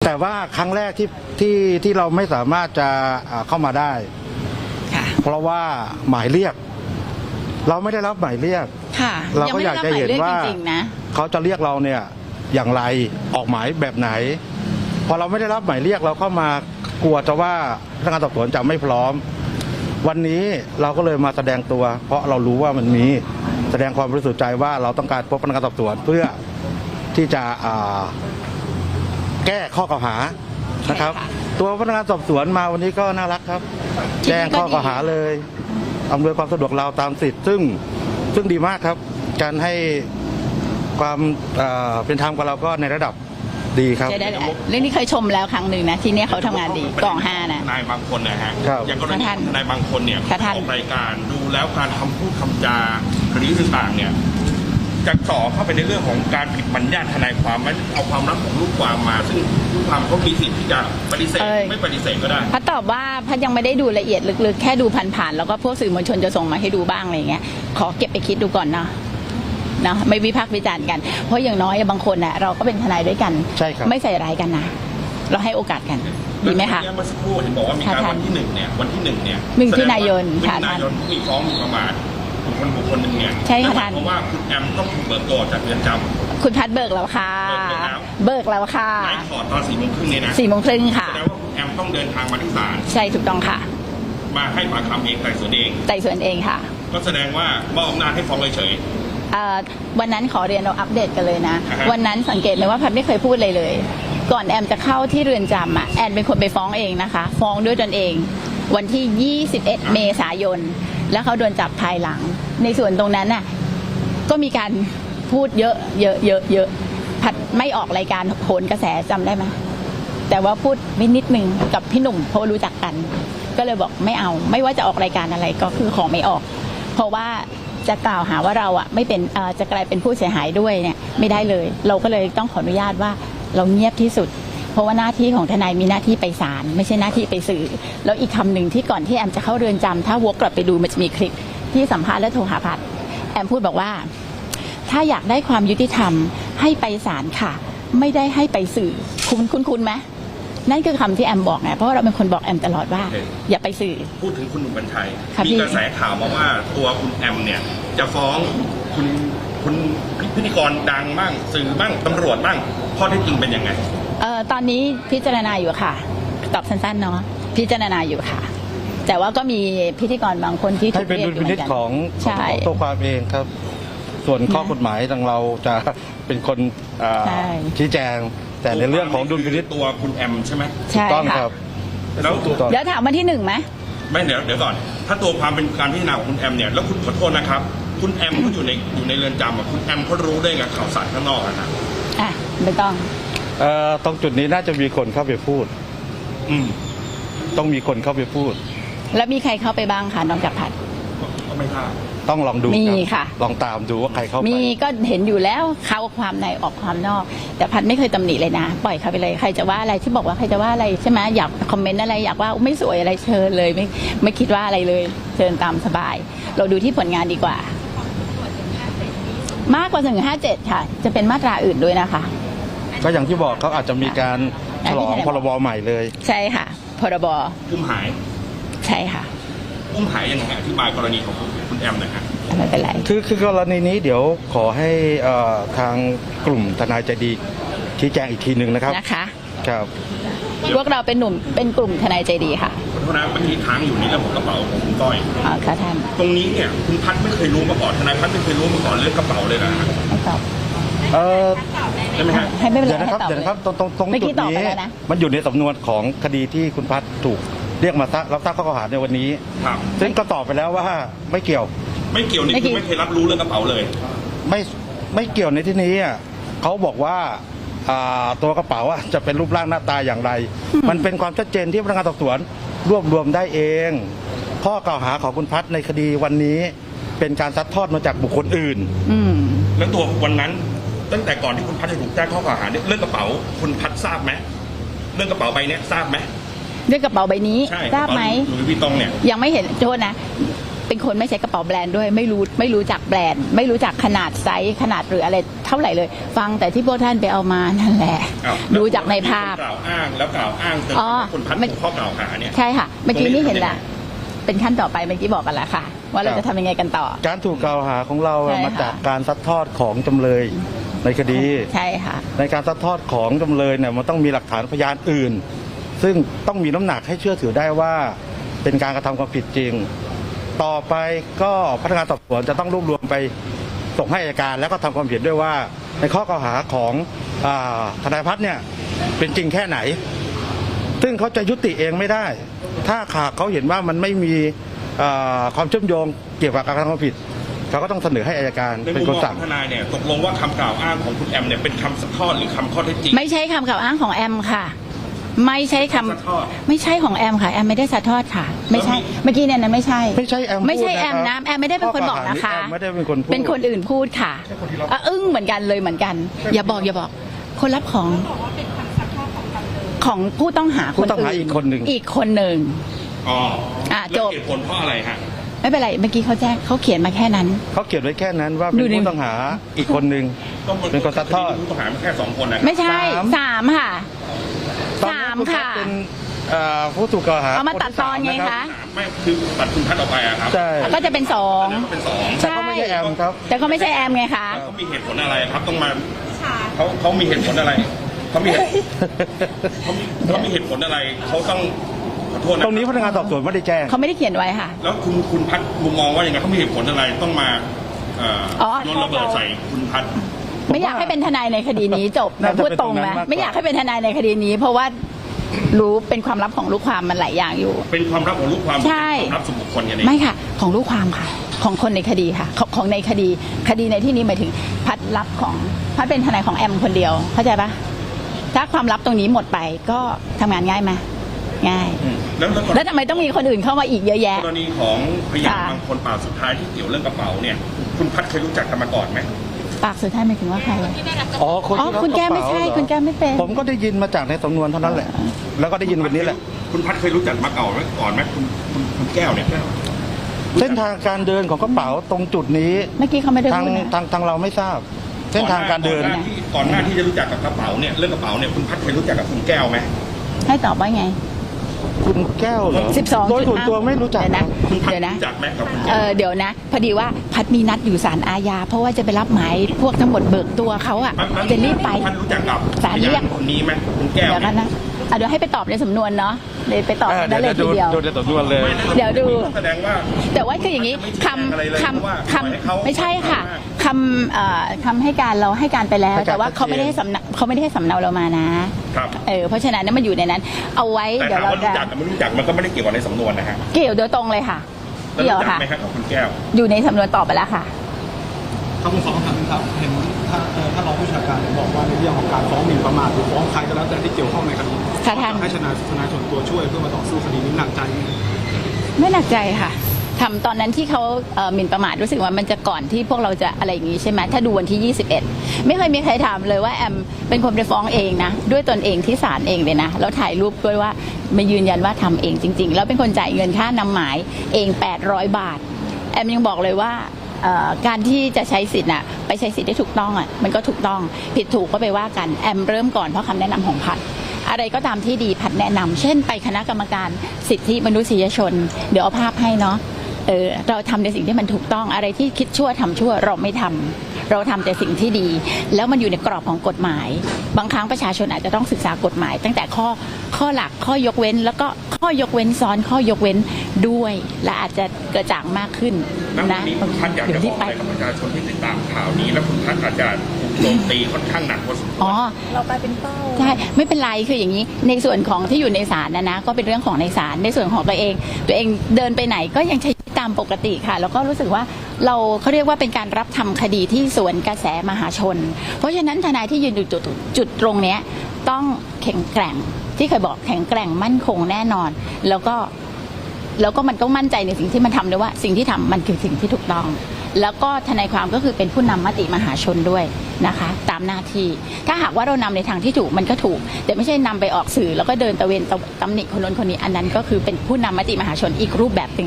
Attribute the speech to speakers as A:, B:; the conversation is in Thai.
A: แต่ว่าครั้งแรกที่เราไม่สามารถจะเข้ามาได้เพราะว่าหมายเรียกเราไม่ได้รับหมายเรียกเราก็อยากจะเห็นว่าเขาจะเรียกเราเนี่ยอย่างไรออกหมายแบบไหนพอเราไม่ได้รับหมายเรียกเราเข้ามากลัวจะว่าพนักงานสอบสวนจะไม่พร้อมวันนี้เราก็เลยมาแสดงตัวเพราะเรารู้ว่ามันมีแสดงความบริสุทธิ์ใจว่าเราต้องการพบพนักงานสอบสวนเพื่อที่จะแก้ข้อกล่าวหานะครับตัวพนักงานสอบสวนมาวันนี้ก็น่ารักครับแจ้งข้อกล่าวหาเลยอำนวยความสะดวกเราตามสิทธิ์ซึ่งดีมากครับการให้ความเป็นธรรมกับเราก็ในระดับดีครับ
B: เรื่องนี้เคยชมแล้วครั้งหนึ่งนะที่นี่เขาทำงานดีกอง5นะ
C: นายบางคนนะฮะอย่างกรณีนายบางคนเนี่ยออกรายการดูแล้วการทำพูดคำจาคดีต่างๆเนี่ยจะต่อเข้าไปในเรื่องของการผิดบัญญัติทนายความไม่เอาความลับของลูกความมาซึ่งลูกความเขามีสิทธิ์ที่จะปฏิเสธไม่ปฏิเสธก็ได้
B: พัดตอบว่าพัดยังไม่ได้ดูละเอียดลึกๆแค่ดูผ่านๆแล้วก็พวกสื่อมวลชนจะส่งมาให้ดูบ้างอะไรเงี้ยขอเก็บไปคิดดูก่อนเนาะไม่วิพากษ์วิจารณ์กันเพราะอย่างน้อยบางคนน่ะเราก็เป็นทนายด้วยกันไม่ใส่ร้ายกันนะเราให้โอกาสกันดีไหมคะ
C: เมื่อสักครู่เห็นบอกว่ามีการวันที่1เนี่ยวันที่1เนี่ย
B: มิถุนายน
C: มีฟ้องมีประมาทบุคคลหนึ่งเนี่ย
B: ใช่ค่ะท่าน
C: เพราะว่าคุณแอมต้องถูกเบิกตัวจากเรือนจำ
B: คุณพัดเบิกแล้วค่ะเบิกแล้วค่ะ
C: นายถอดตอน4:30เนี่ยนะ
B: 4:30ค่ะ
C: แสดงว่าคุณแอมต้องเดินทางมาที่ศาล
B: ใช่ถูกต้องค่ะ
C: มาให้ปากคำเองไต่สวนเอง
B: ค่ะ
C: ก็แสดงว่ามอบอำนาจให้ฟ้องเฉย
B: วันนั้นขอเรียนเราอัปเดตกันเลยนะวันนั้นสังเกตไหมว่าพัดไม่เคยพูดเลยก่อนแอมจะเข้าที่เรือนจำแอนเป็นคนไปฟ้องเองนะคะฟ้องด้วยตนเองวันที่21เมษายนแล้วเขาโดนจับภายหลังในส่วนตรงนั้นน่ะก็มีการพูดเยอะพัดไม่ออกรายการโหนกระแสจำได้ไหมแต่ว่าพูดนิดนึงกับพี่หนุ่มเพราะรู้จักกันก็เลยบอกไม่เอาไม่ว่าจะออกรายการอะไรก็คือขอไม่ออกเพราะว่าจะกล่าวหาว่าเราไม่เป็นจะกลายเป็นผู้เสียหายด้วยเนี่ยไม่ได้เลยเราก็เลยต้องขออนุญาตว่าเราเงียบที่สุดเพราะว่าหน้าที่ของทนายมีหน้าที่ไปศาลไม่ใช่หน้าที่ไปสื่อแล้วอีกคำหนึ่งที่ก่อนที่แอมจะเข้าเรือนจำถ้าวกกลับไปดูมันจะมีคลิปที่สัมภาษณ์และโทรหาพัดแอมพูดบอกว่าถ้าอยากได้ความยุติธรรมให้ไปศาลค่ะไม่ได้ให้ไปสื่อคุณไหมนั่นคือคำที่แอมบอกไงเพราะเราเป็นคนบอกแอมตลอดว่าอย่าไปสื่อ
C: พูดถึงคุณหนุ่มกัญชัยมีกระแสข่าวมาว่าตัวคุณแอมเนี่ยจะฟ้องคุณพิธีกรดังบ้างสื่อบ้างตำรวจบ้างข้อเท็จจริงเป็นยังไง
B: ตอนนี้พิจารณาอยู่ค่ะตอบสั้นๆเนาะพิจารณาอยู่ค่ะแต่ว่าก็มีพิธีกรบางคนที่
A: ถูกเรียกอยู่เหมือนกันของตัวความเองครับส่วนข้อกฎหมายทางเราจะเป็นคนชี้แจงแต่ในเรื่องของดุลพินิจ
C: ตัวคุณแอมใช่ไหม
B: ใช่
A: ต้องครับ
B: แล้วเดี๋ยวถามวันที่1ไหม
C: ไม่เดี๋ยวก่อนถ้าตัวความเป็นการพิจารณาของคุณแอมเนี่ยแล้วคุณขอโทษนะครับคุณแอมเขาอยู่ในเรือนจำคุณแอมเขารู้ได้ไงข่าวสารข้างนอกนะ
B: ไม่ต้อง
A: ตรงจุดนี้น่าจะมีคนเข้าไปพูดต้องมีคนเข้าไปพูด
B: แล้วมีใครเข้าไปบ้างคะนอกจากพัด
C: ก็ไม่ทราบ
A: ต้องลองดู
B: มีค่ะ
A: ลองตามดูว่าใครเข้าไป
B: มีก็เห็นอยู่แล้วเข้าความในออกความนอกแต่พัดไม่เคยตำหนิเลยนะปล่อยเขาไปเลยใครจะว่าอะไรที่บอกว่าใครจะว่าอะไรใช่ไหมอยากคอมเมนต์อะไรอยากว่าไม่สวยอะไรเชิญเลยไม่คิดว่าอะไรเลยเชิญตามสบายเราดูที่ผลงานดีกว่ามากกว่า157ค่ะจะเป็นมาตราอื่นด้วยนะคะ
A: ก็อย่างที่บอกเขาอาจจะมีการฉลองพรบใหม่เลย
B: ใช่ค่ะพรบ
C: อุ้มหาย
B: ใช่ค่ะ
C: อุ้มหายยังไงอธิบายกรณีของคุณแอมหน่อยครับ
B: ไม่เป็นไร
A: คือกรณีนี้เดี๋ยวขอให้ทางกลุ่มทนายใจดีชี้แจงอีกทีหนึ่งนะครับครับ
B: พวกเราเป็นกลุ่มทนายใจดีค่ะ
C: ขอโทษนะเมื่อกี้ค้างอยู่ในเรื่องของกระเป๋าของคุณก้อย
B: ค่ะท่าน
C: ตรงนี้เนี่ยคุณพัดไม่เคยรู้มาก่อนทนายพัดไม่เคยรู้มาก่อนเรื่องกระเป๋าเลยนะ
B: ไม่ตอบ
C: ได้ไหมฮะ
B: ให้ไม่เป็นไร
A: เดี๋ยวนะครับตรงจุดนี้มันอยู่ในสำนวนของคดีที่คุณพัดถูกเรียกมารับทราบข้อกล่าวหาในวันนี้ซึ่งก็ตอบไปแล้วว่าไม่เกี่ยว
C: นี่คือไม่เคยรับรู้เรื่องกระเป๋าเลย
A: ไม่เกี่ยวในที่นี้เขาบอกว่าตัวกระเป๋าจะเป็นรูปร่างหน้าตาอย่างไรมันเป็นความชัดเจนที่พนักงานสอบสวนรวบรวมได้เองข้อกล่าวหาของคุณพัดในคดีวันนี้เป็นการซัดทอดมาจากบุคคลอื่น
C: แล้วตัววันนั้นตั้งแต่ก่อนที่คุณพัดจะถูกแจ้งข้อกล่าวหาเรื่องกระเป๋าคุณพัดทราบไหมเรื่องกระเป๋าใบนี้ทราบไหม
B: เรื่องกระเป๋าใบนี้ทราบไหม
C: หรือพี่ตองเนี่ย
B: ยังไม่เห็นโทษนะเป็นคนไม่ใช้กระเป๋าแบรนด์ด้วยไม่รู้จักแบรนด์ ไม่รู้จักขนาดไซส์ขนาดหรืออะไรเท่าไหร่เลย ฟังแต่ที่พวกท่านไปเอามานั่นแหละ ดูจากในภาพ
C: กล่าวอ้างแล้วกล่าวอ้างจนคุณพัดถูกข้อกล่าวหาเนี่ย
B: ใช่ค่ะเมื่อกี้นี่เห็นแหละเป็นขั้นต่อไปเมื่อกี้บอกกันแล้วค่ะ ว่าเราจะทำยังไงกันต่อ
A: การถูกกล่าวหาของเรา
B: ใช่ค่ะ
A: มาจากการซัดทอดของจำเลยในคดี
B: ใช่ค่ะ
A: ในการซัดทอดของจำเลยเนี่ยมันต้องมีหลักฐานพยานอื่น ซึ่งต้องมีน้ำหนักให้เชื่อถือได้ว่าเป็นการกระทำความผิดจริง ต่อไปก็พนักงานสอบสวนจะต้องรวบรวมไปส่งให้อัยการแล้วก็ทำความเห็นด้วยว่าในข้อกล่าวหาของทนายพัฒน์เนี่ยเป็นจริงแค่ไหน ซึ่งเขาจะยุติเองไม่ได้ ถ้าหากเขาเห็นว่ามันไม่มีความเชื่อมโยงเกี่ยวกับการกระทำความผิดเขาก็ต้องเสนอให้อัยการ
C: ใน
A: เป็น
C: มุม
A: คน
C: มอง
A: สั่ง
C: ของทนายเนี่ยตกลงว่าคำกล่าวอ้างของคุณแอมเนี่ยเป็นคำซัดทอดหรือคำข้อเท็จจริง
B: ไม่ใช่คำกล่าวอ้างของแอมค่ะ ไม่ใช่คำ
C: ซัดทอด
B: ไม่ใช่ของแอมค่ะแอมไม่ได้ซัดทอดค่ะ ไม่ใช่เมื่อกี้เนี่ยนะไม่ใช่
A: ไม่ใช่แอม
B: ไม่ใช่
A: พูด
B: แอม
A: นะ
B: นะครับ แอมไม่ได้เป็นคนบอกนะคะ
A: แอมไม่ได้เป็นคนพูด
B: เป็นคนอื่นพูดค่ะอึ้งเหมือนกันเลยเหมือนกัน อย่าบอกคนรับของผู้ต้องหา
A: ผู้ต้องหาอีกคนหนึ่ง
B: อีกคนหนึ่ง
C: อ๋อ
B: จบ
C: แล้วเหตุผลเพราะอะไรฮะ
B: ไม่เป็นไรเมื่อกี้เขาแจ้งเขาเขียนมาแค่นั้น
A: เขาเขียนไว้แค่นั้นว่าเป็น
B: ดูดิ
A: ผู้ต้องหาอีกคนหนึ่งเป็นคนซัดทอด
C: ผู้ต้องหาแค่2 คนนะ
B: ไม่ใช่
A: สาม
B: 3 ค่ะ
A: ตอนนี้
B: 3
A: ณพัฒ
B: ค่ะ
A: น์เป็นผู้ถูกกล่าวหา
B: เอามาตัดตอนไง
A: นที่สาม
B: คะ
C: ไม่คือตัดคุณพัดออกไปอะครับ
A: ใช่
B: ก็จะเป็นสอง
C: แล้วก็เป็น2
A: แต่เขาไม่ใช่แอมครับ
B: แต่ก็ไม่ใช่แอมไงคะ
C: เขามีเหตุผลอะไรครับต้องมาเขามีเหตุผลอะไรเขามีเหตุเขามีเหตุผลอะไรเขาต้องขอโทษนะ
A: ตรงนี้พนักงานสอบสวนไม่ได้แจ้ง
B: เขาไม่ได้เขียนไว้ค่ะ
C: แล้วคุณพัดมุมมองว่าอย่างไงเขามีเหตุผลอะไรต้องมา
B: อ๋อ
C: โยนระเบิดใส่คุณพัด
B: ไม่อยากให้เป็นทนายในคดีนี้จบ
A: น่าจะ
B: พูดตรง
A: เป็นตรงนั้
B: นะ
A: นมากกว่า
B: ไม่อยากให้เป็นทนายในคดีนี้ เพราะว่ารู้เป็นความลับของลูกความมันหลายอย่างอยู่
C: เป็นความลับของลูกความ
B: ใช่
C: เป็นความลับส่วนบุคคลอย่างนี้
B: ไม่ค่ะ ของลูกความค่ะ ของคนในคดีค่ะ ของในคดีในที่นี้หมายถึงพัดลับของพัดเป็นทนายของแอมคนเดียว เข้าใจปะถ้าความลับตรงนี้หมดไปก็ทำงานง่ายไหมง่าย แล้วทำไมต้องมีคนอื่นเข้ามาอีกเยอะแยะ
C: กรณีของพยาน
B: ค่ะ
C: บางคนปากสุดท้ายที่เกี่ยวเรื่องกระเป๋าเนี่ย คุณพัดเคยรู้จักกันมาก่อนไหม
B: ปากสุดท้ายหมายถึงว่าใคร
A: อ๋อคนที่รับ
B: คุณแก้มไม่
A: กระ
B: ใช่
A: เป๋าเหรอ
B: คุณแก้มไม่เป็น
A: ผมก็ได้ยินมาจากในสำนวนเท่านั้นแหละ แล้วก็ได้ยินวันนี้แหละ
C: คุณพัดเคยรู้จักมาก่อนไหมคุณแก้วเนี่ย
A: เส้นทางการเดินของกระเป๋าตรงจุดนี้
B: เมื่อกี้เขาไม่ได้
A: ทาง
B: พูดนะ
A: ทางเราไม่ทราบ เส้นทางการเดิน
C: ก่อนหน้าที่จะรู้จักกับกระเป๋าเนี่ยเรื่องกระเป๋าเนี่ยคุณพัดเคยรู้จักกับคุณแก้วไหม
B: ให้ตอบว่าไง
A: คุณแก้วเหรอ
B: 12
A: โดยส่วนตัวไม่รู้จัก
B: เดี๋ยวนะ
C: คุณพัด
B: เดี๋ยวนะ
C: รู้จักไหมกับคุณแก้ว
B: เดี๋ยวนะ พอดีว่าพัดมีนัดอยู่ศาลอาญาเพราะว่าจะไปรับหมายพวกทั้งหมดเบิกตัวเขาอ่ะจะรีบไป
C: พัดรู้จักกับ
B: ศาลเรียก
C: คนนี้ไหมคุณแก้ว
B: เดี๋ยวกันนะเดี๋ยวให้ไปตอบในสำนวนเนาะเลยไปตอบนั่นเลยทีเดียว
A: ดูในสำนวนเลย
B: เดี๋ยวดู
C: แสดงว่า
B: แต่ว่าคืออย่างนี้คำไม่ใช่ค่ะคำให้การเราให้การไปแล้ว แต่ว่าเขาไม่ได้ให้สำเนาเรามานะครับ เพราะฉะนั้นมันอยู่ในนั้น เอาไว้
C: แต่
B: เดี๋ยว
C: ถาม
B: เรา
C: ว่า
B: จะ
C: รู้จักกับไม่รู้จักมันก็ไม่ได้เกี่ยวกับในสำนวนนะฮะ
B: เกี่ยวโดยตรงเลยค่ะ
C: แล้ว
B: เกี่ยว
C: รู้จัก
B: ค่ะ
C: ไหมครับกับคุณแก้ว
B: อยู่ในสำนวนตอบไปแล้วค่ะ
D: ครับผมขอคำถามนึงครับเห็นถ้ารองผู้บัญชาการบอกว่าในเรื่องของการฟ้องหมิ่นประมาทหรือฟ้องใครก็แล้วแต่ที่เกี่ยวข้องในคดี
B: ค่ะท่าน
D: ให้ทนายส่วนตัวช่วยเพื่อมาต่อสู้คดีนี้หนักใจไหม
B: ไม่หนักใจค่ะทำตอนนั้นที่เขาหมิ่นประมาทรู้สึกว่ามันจะก่อนที่พวกเราจะอะไรอย่างนี้ใช่ไหมถ้าดูวันที่ 21 ไม่เคยมีใครถามเลยว่าแอมเป็นคนไปฟ้องเองนะด้วยตนเองที่ศาลเองเลยนะแล้วถ่ายรูปด้วยว่ามายืนยันว่าทำเองจริงๆแล้วเป็นคนจ่ายเงินค่านำหมายเอง800 บาทแอมยังบอกเลยว่าการที่จะใช้สิทธิ์น่ะไปใช้สิทธิ์ได้ถูกต้องอ่ะมันก็ถูกต้องผิดถูกก็ไปว่ากันแอมเริ่มก่อนเพราะคำแนะนำของพัดอะไรก็ตามที่ดีพัดแนะนำเช่นไปคณะกรรมการสิทธิมนุษยชนเดี๋ยวเอาภาพให้เนาะเราทำในสิ่งที่มันถูกต้องอะไรที่คิดชั่วทำชั่วเราไม่ทำเราทำแต่สิ่งที่ดี แล้วมันอยู่ในกรอบของกฎหมาย บางครั้งประชาชนอาจจะต้องศึกษากฎหมาย ตั้งแต่ข้อหลักข้อยกเว้น แล้วก็ข้อยกเว้นซ้อนข้อยกเว้นด้วยและอาจจะกระจ่างมากขึ้น
C: แล้ววั
B: นะ
C: นนี้คุณพัดอยากจะบอกอะไรกับประชาชนที่ติดตามข่าวนี้ แล้วคุณพัดอาจจะถูกโจมตีค่อนข้างหนักพอสมควร
B: เรากลายเป็นเป้าใช่ไม่เป็นไรคืออย่างนี้ในส่วนของที่อยู่ในศาลนะก็เป็นเรื่องของในศาลในส่วนของตัวเองเดินไปไหนก็ยังใช้ตามปกติค่ะแล้วก็รู้สึกว่าเขาเรียกว่าเป็นการรับทำคดีที่สวนกระแสมหาชน เพราะฉะนั้นทนายที่ยืนอยู่จุดตรงเนี้ยต้องแข็งแกร่งที่เคยบอกแข็งแกร่งมั่นคงแน่นอน แล้วก็มันต้องมั่นใจในสิ่งที่มันทำด้วยว่าสิ่งที่ทำมันคือสิ่งที่ถูกต้อง แล้วก็ทนายความก็คือเป็นผู้นำมติมหาชนด้วยนะคะตามหน้าที่ถ้าหากว่าเรานำในทางที่ถูกมันก็ถูกแต่ไม่ใช่นำไปออกสื่อแล้วก็เดินตะเวนตำหนิคนนู้นคนนี้อันนั้นก็คือเป็นผู้นำมติมหาชนอีกรูปแบบหนึ่ง